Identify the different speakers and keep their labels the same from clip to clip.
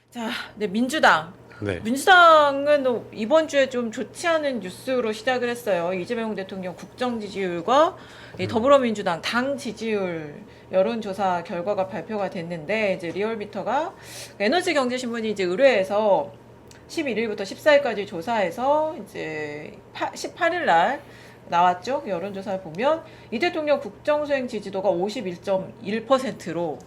Speaker 1: 자, 네, 민주당.
Speaker 2: 네.
Speaker 1: 민주당은 이번 주에 좀 좋지 않은 뉴스로 시작을 했어요. 이재명 대통령 국정 지지율과 이 더불어민주당 당 지지율 여론조사 결과가 발표가 됐는데, 이제 리얼미터가 에너지경제신문이 이제 의뢰해서 11일부터 14일까지 조사해서 이제 18일 날 나왔죠. 여론조사를 보면 이 대통령 국정수행 지지도가 51.1%로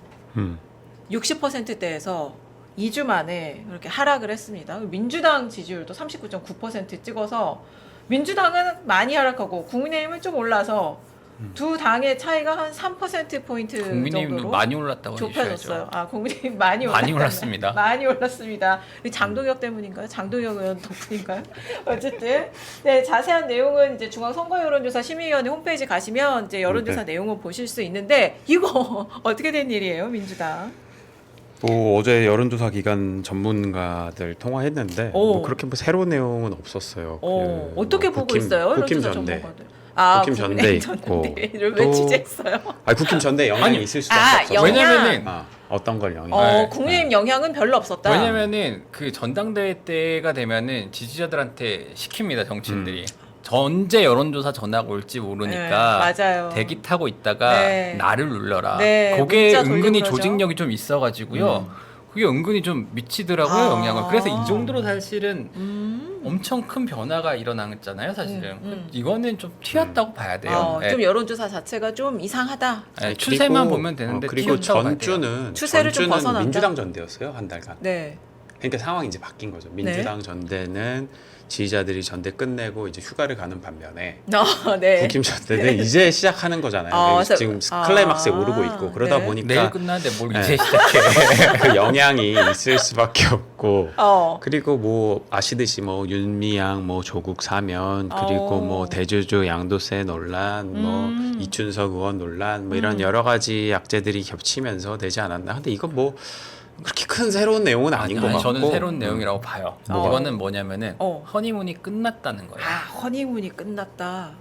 Speaker 1: 60%대에서 2주 만에 그렇게 하락을 했습니다. 민주당 지지율도 39.9% 찍어서 민주당은 많이 하락하고 국민의힘은 좀 올라서 두 당의 차이가 한 3%포인트
Speaker 3: 국민의힘도
Speaker 1: 정도로
Speaker 3: 많이 올랐다고
Speaker 1: 좁혀졌어요.
Speaker 3: 해주셔야죠.
Speaker 1: 아, 국민의힘 많이
Speaker 3: 올랐습니다.
Speaker 1: 많이 올랐습니다. 장동혁 때문인가요? 장동혁 의원 덕분인가요? 어쨌든 네, 자세한 내용은 이제 중앙선거여론조사 심의위원회 홈페이지 가시면 이제 여론조사 내용을 보실 수 있는데, 이거 어떻게 된 일이에요, 민주당?
Speaker 2: 뭐 어제 여론조사 기관 전문가들 통화했는데 뭐 그렇게 뭐 새로운 내용은 없었어요.
Speaker 1: 어떻게
Speaker 2: 뭐
Speaker 1: 보고 있어요?
Speaker 2: 국힘
Speaker 1: 여론조사
Speaker 2: 전대.
Speaker 1: 전문가들. 아,
Speaker 2: 국힘 전대 있고
Speaker 1: 전대를 왜 취재했어요?
Speaker 2: 국힘 전대 영향이
Speaker 3: 아니,
Speaker 2: 있을 수밖에 없어요.
Speaker 1: 영향.
Speaker 3: 왜냐면은
Speaker 2: 어떤 걸 영향?
Speaker 1: 국민의힘 영향은 별로 없었다.
Speaker 3: 왜냐면은 그 전당대회 때가 되면은 지지자들한테 시킵니다, 정치인들이. 전제 여론조사 전화가 올지 모르니까
Speaker 1: 네, 맞아요.
Speaker 3: 대기 타고 있다가
Speaker 1: 네.
Speaker 3: 나를 눌러라.
Speaker 1: 네,
Speaker 3: 그게
Speaker 1: 문자
Speaker 3: 은근히
Speaker 1: 돌리고 그러죠.
Speaker 3: 조직력이 좀 있어가지고요. 그게 은근히 좀 미치더라고요, 영향을. 그래서 이 정도로 사실은 엄청 큰 변화가 일어났잖아요, 사실은. 이거는 좀 튀었다고 봐야 돼요. 네.
Speaker 1: 좀 여론조사 자체가 좀 이상하다.
Speaker 3: 네, 추세만 보면 되는데
Speaker 2: 그리고
Speaker 3: 튀었다고 봐야 돼요.
Speaker 2: 전주는
Speaker 1: 추세를 좀 벗어난다?
Speaker 2: 민주당 전대였어요, 한 달간.
Speaker 1: 네.
Speaker 2: 그러니까 상황이 이제 바뀐 거죠. 민주당 전대는 지지자들이 전대 끝내고 이제 휴가를 가는 반면에
Speaker 1: 네.
Speaker 2: 국힘 전대는 이제 시작하는 거잖아요.
Speaker 1: 그래서-
Speaker 2: 지금 클라이막스에 오르고 있고 그러다
Speaker 1: 네.
Speaker 2: 보니까
Speaker 3: 내일 끝나는데 뭘
Speaker 2: 네.
Speaker 3: 이제 시작해.
Speaker 2: 그 영향이 있을 수밖에 없고
Speaker 1: 어.
Speaker 2: 그리고 뭐 아시듯이 뭐 윤미향 뭐 조국 사면 그리고 뭐 대주주 양도세 논란 뭐 이춘석 의원 논란 뭐 이런 여러 가지 약재들이 겹치면서 되지 않았나. 근데 이건 뭐 그렇게 큰 새로운 내용은 아닌 것 같고
Speaker 3: 저는 새로운 내용이라고 봐요.
Speaker 1: 뭐가?
Speaker 3: 이거는 뭐냐면은
Speaker 1: 어.
Speaker 3: 허니문이 끝났다는 거예요.
Speaker 1: 허니문이 끝났다.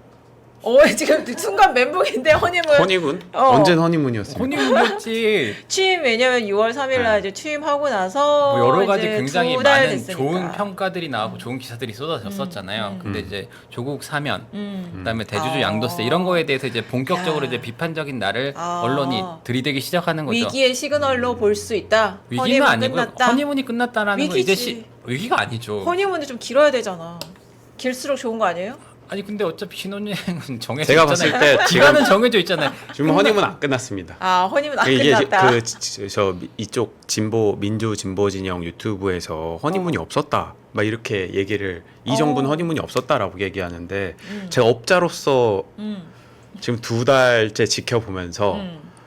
Speaker 1: 지금 순간 멘붕인데 허니문.
Speaker 2: 허니문? 언제 허니문이었습니까?
Speaker 3: 허니문이었지.
Speaker 1: 취임 왜냐면 6월 3일 날 이제 취임하고 나서
Speaker 3: 뭐 여러 가지
Speaker 1: 이제
Speaker 3: 굉장히
Speaker 1: 2달
Speaker 3: 많은
Speaker 1: 됐으니까.
Speaker 3: 좋은 평가들이 나오고 좋은 기사들이 쏟아졌었잖아요. 근데 이제 조국 사면, 그다음에 대주주 양도세 이런 거에 대해서 이제 본격적으로 이제 비판적인 날을 언론이 들이대기 시작하는 거죠.
Speaker 1: 위기의 시그널로 볼 수 있다.
Speaker 3: 위기는
Speaker 1: 허니문
Speaker 3: 아니고
Speaker 1: 끝났다.
Speaker 3: 허니문이 끝났다라는 건
Speaker 1: 위기지.
Speaker 3: 이제 위기가 아니죠.
Speaker 1: 허니문이 좀 길어야 되잖아. 길수록 좋은 거 아니에요?
Speaker 3: 아니 근데 어차피 신혼여행은 정해져
Speaker 2: 제가
Speaker 3: 있잖아요.
Speaker 2: 봤을 때
Speaker 3: 기간은 정해져 있잖아요.
Speaker 2: 지금 허니문 안 끝났습니다.
Speaker 1: 허니문 안
Speaker 2: 이게
Speaker 1: 끝났다.
Speaker 2: 저 이쪽 민주 진보 진영 유튜브에서 허니문이 없었다. 막 이렇게 얘기를 이 정부는 허니문이 없었다라고 얘기하는데 제가 업자로서 지금 2달째 지켜보면서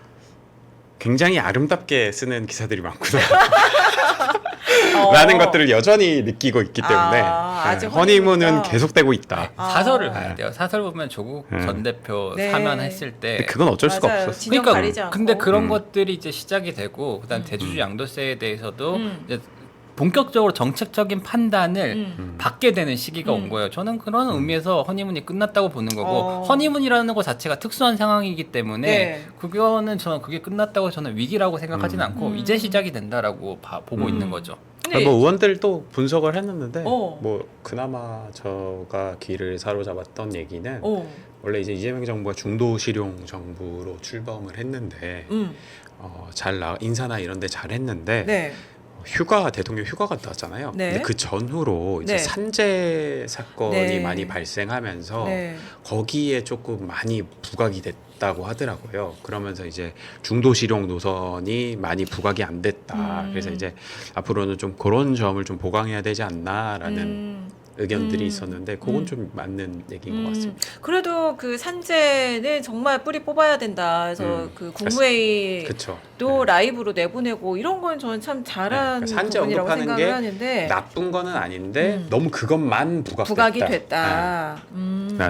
Speaker 2: 굉장히 아름답게 쓰는 기사들이 많구나. 라는 것들을 여전히 느끼고 있기 때문에
Speaker 1: 아직
Speaker 2: 허니문은
Speaker 1: 허니문이다.
Speaker 2: 계속되고 있다.
Speaker 3: 사설을 봐야 돼요. 사설 보면 조국 전 대표
Speaker 1: 네.
Speaker 3: 사면했을 때
Speaker 2: 근데 그건 어쩔 수가
Speaker 1: 맞아요.
Speaker 2: 없었어.
Speaker 1: 진영 가리지 않고.
Speaker 3: 근데 그런 것들이 이제 시작이 되고 그다음 대주주 양도세에 대해서도 이제 본격적으로 정책적인 판단을 받게 되는 시기가 온 거예요. 저는 그런 의미에서 허니문이 끝났다고 보는 거고 허니문이라는 것 자체가 특수한 상황이기 때문에
Speaker 1: 네.
Speaker 3: 그거는 저는 그게 끝났다고 저는 위기라고 생각하지는 않고 이제 시작이 된다라고 보고 있는 거죠.
Speaker 1: 근데
Speaker 2: 뭐 의원들도 분석을 했는데
Speaker 1: 어.
Speaker 2: 뭐 그나마 저가 귀를 사로잡았던 얘기는 원래 이제 이재명 정부가 중도 실용 정부로 출범을 했는데 인사나 이런 데 잘 했는데
Speaker 1: 네.
Speaker 2: 대통령 휴가 갔다 왔잖아요.
Speaker 1: 네.
Speaker 2: 근데 그 전후로 이제
Speaker 1: 네.
Speaker 2: 산재 사건이
Speaker 1: 네.
Speaker 2: 많이 발생하면서
Speaker 1: 네.
Speaker 2: 거기에 조금 많이 부각이 됐다고 하더라고요. 그러면서 이제 중도 실용 노선이 많이 부각이 안 됐다. 그래서 이제 앞으로는 좀 그런 점을 좀 보강해야 되지 않나라는 의견들이 있었는데 그건 좀 맞는 얘기인 것 같습니다.
Speaker 1: 그래도 그 산재는 정말 뿌리 뽑아야 된다. 그래서 그 국무회의도
Speaker 2: 그렇죠.
Speaker 1: 라이브로 내보내고 이런 건 저는 참 잘한
Speaker 2: 그러니까 산재
Speaker 1: 부분이라고
Speaker 2: 언급하는
Speaker 1: 생각을
Speaker 2: 게
Speaker 1: 하는데
Speaker 2: 나쁜 거는 아닌데 너무 그것만
Speaker 1: 부각이 됐다.
Speaker 2: 라는 거.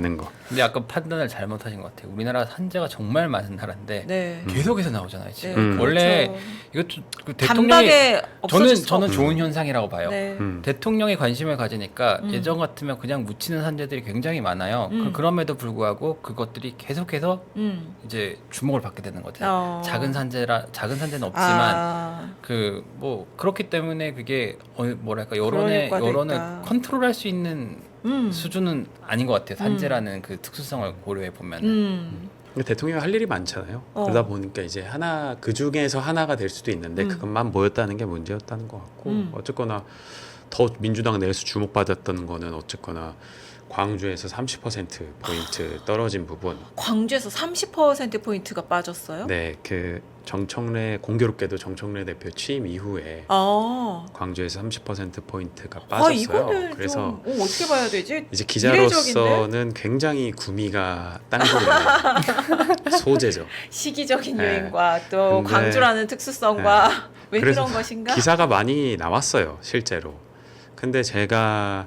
Speaker 3: 근데 약간 판단을 잘못하신 것 같아요. 우리나라가 산재가 정말 많은 나라인데
Speaker 1: 네.
Speaker 3: 계속해서 나오잖아요. 지금
Speaker 1: 네,
Speaker 3: 원래
Speaker 1: 그렇죠.
Speaker 3: 이것도 그 대통령이
Speaker 1: 단박에 없어질 수
Speaker 3: 저는
Speaker 1: 없-
Speaker 3: 좋은 현상이라고 봐요.
Speaker 1: 네.
Speaker 3: 대통령이 관심을 가지니까 예전 같으면 그냥 묻히는 산재들이 굉장히 많아요. 그럼에도 불구하고 그것들이 계속해서 이제 주목을 받게 되는 거죠. 작은 산재는 없지만
Speaker 1: 아,
Speaker 3: 그 뭐 그렇기 때문에 그게 뭐랄까
Speaker 1: 그런 효과도
Speaker 3: 여론을
Speaker 1: 있다.
Speaker 3: 컨트롤할 수 있는 수준은 아닌 것 같아요. 산재라는 그 특수성을 고려해 보면.
Speaker 2: 대통령이 할 일이 많잖아요.
Speaker 1: 어.
Speaker 2: 그러다 보니까 이제 하나 그 중에서 하나가 될 수도 있는데 그것만 모였다는 게 문제였다는 것 같고 어쨌거나 더 민주당 내에서 주목받았던 거는 어쨌거나 광주에서 30% 포인트 떨어진 부분.
Speaker 1: 광주에서 30% 포인트가 빠졌어요?
Speaker 2: 네, 그 정청래 공교롭게도 정청래 대표 취임 이후에
Speaker 1: 아,
Speaker 2: 광주에서 30% 포인트가
Speaker 1: 아
Speaker 2: 빠졌어요.
Speaker 1: 이거는
Speaker 2: 그래서
Speaker 1: 좀 어떻게 봐야 되지?
Speaker 2: 이제 기자로서는 굉장히 구미가 땅굴이는 소재죠.
Speaker 1: 시기적인
Speaker 2: 네.
Speaker 1: 유행과 또
Speaker 2: 근데-
Speaker 1: 광주라는 특수성과 왜
Speaker 2: 그래서
Speaker 1: 그런 것인가?
Speaker 2: 기사가 많이 나왔어요, 실제로. 근데 제가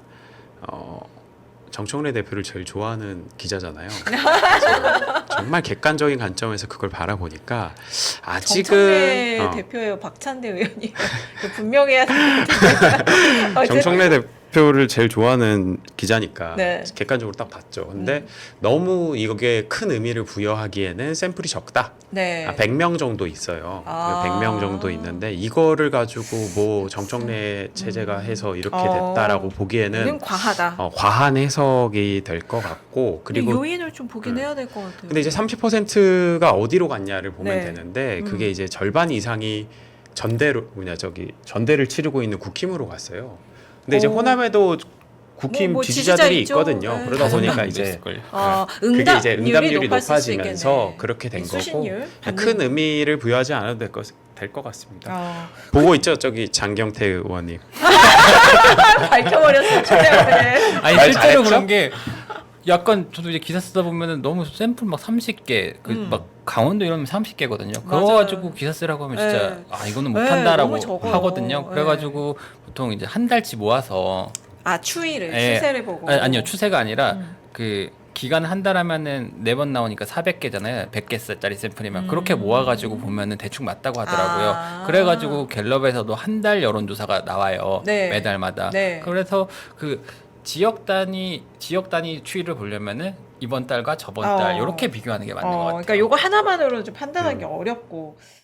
Speaker 2: 정청래 대표를 제일 좋아하는 기자잖아요. 그래서 정말 객관적인 관점에서 그걸 바라보니까
Speaker 1: 정청래
Speaker 2: 아직은
Speaker 1: 대표예요, 박찬대 의원이 분명해야 되는데.
Speaker 2: 정청래 대표를 제일 좋아하는 기자니까
Speaker 1: 네.
Speaker 2: 객관적으로 딱 봤죠. 근데 너무 이게 큰 의미를 부여하기에는 샘플이 적다.
Speaker 1: 네.
Speaker 2: 100명 정도 있어요.
Speaker 1: 아.
Speaker 2: 100명 정도 있는데 이거를 가지고 뭐 정청래 체제가 해서 이렇게
Speaker 1: 어.
Speaker 2: 됐다라고 보기에는
Speaker 1: 이건 과하다.
Speaker 2: 과한 해석이 될 것 같고
Speaker 1: 그리고
Speaker 2: 그리고
Speaker 1: 요인을 좀 보긴 해야 될 것 같아요.
Speaker 2: 근데 이제 30%가 어디로 갔냐를 보면
Speaker 1: 네.
Speaker 2: 되는데 그게 이제 절반 이상이 전대를 치르고 있는 국힘으로 갔어요. 근데 이제
Speaker 1: 오.
Speaker 2: 호남에도 국힘
Speaker 1: 뭐
Speaker 2: 지지자들이
Speaker 1: 지지자 있죠.
Speaker 2: 있거든요.
Speaker 1: 네.
Speaker 2: 그러다
Speaker 3: 다섯
Speaker 2: 보니까
Speaker 3: 명도
Speaker 2: 이제
Speaker 3: 있을걸요.
Speaker 2: 그게 이제 응답률이
Speaker 1: 높았을 수
Speaker 2: 높아지면서
Speaker 1: 있겠네.
Speaker 2: 그렇게 된 거고
Speaker 1: 수신율
Speaker 2: 큰 의미를 부여하지 않아도 될 것 같습니다.
Speaker 1: 어.
Speaker 2: 보고 있죠, 저기 장경태 의원님.
Speaker 1: 밝혀버렸어요. 최대한.
Speaker 3: 아니
Speaker 2: 말
Speaker 3: 실제로
Speaker 2: 잘했죠?
Speaker 3: 그런 게 약간 저도 이제 기사 쓰다 보면은 너무 샘플 막 30개 그 막 강원도 이러면 30개거든요. 그거
Speaker 1: 맞아요.
Speaker 3: 가지고 기사 쓰라고 하면 진짜
Speaker 1: 네.
Speaker 3: 아 이거는
Speaker 1: 네,
Speaker 3: 못한다라고
Speaker 1: 너무 적어요.
Speaker 3: 하거든요.
Speaker 1: 네.
Speaker 3: 그래가지고 보통 이제 한 달치 모아서
Speaker 1: 아 추이를
Speaker 3: 예.
Speaker 1: 추세를 보고.
Speaker 3: 아니요 추세가 아니라 그 기간 한 달 하면은 4번 나오니까 400개잖아요. 100개짜리 샘플이면 그렇게 모아가지고 보면은 대충 맞다고 하더라고요.
Speaker 1: 아.
Speaker 3: 그래가지고 갤럽에서도 한 달 여론조사가 나와요.
Speaker 1: 네.
Speaker 3: 매달마다.
Speaker 1: 네.
Speaker 3: 그래서 그 지역 단위 추이를 보려면은 이번 달과 저번 달 이렇게 비교하는 게 맞는 것 같아요.
Speaker 1: 그러니까 요거 하나만으로는 좀 판단하기 어렵고.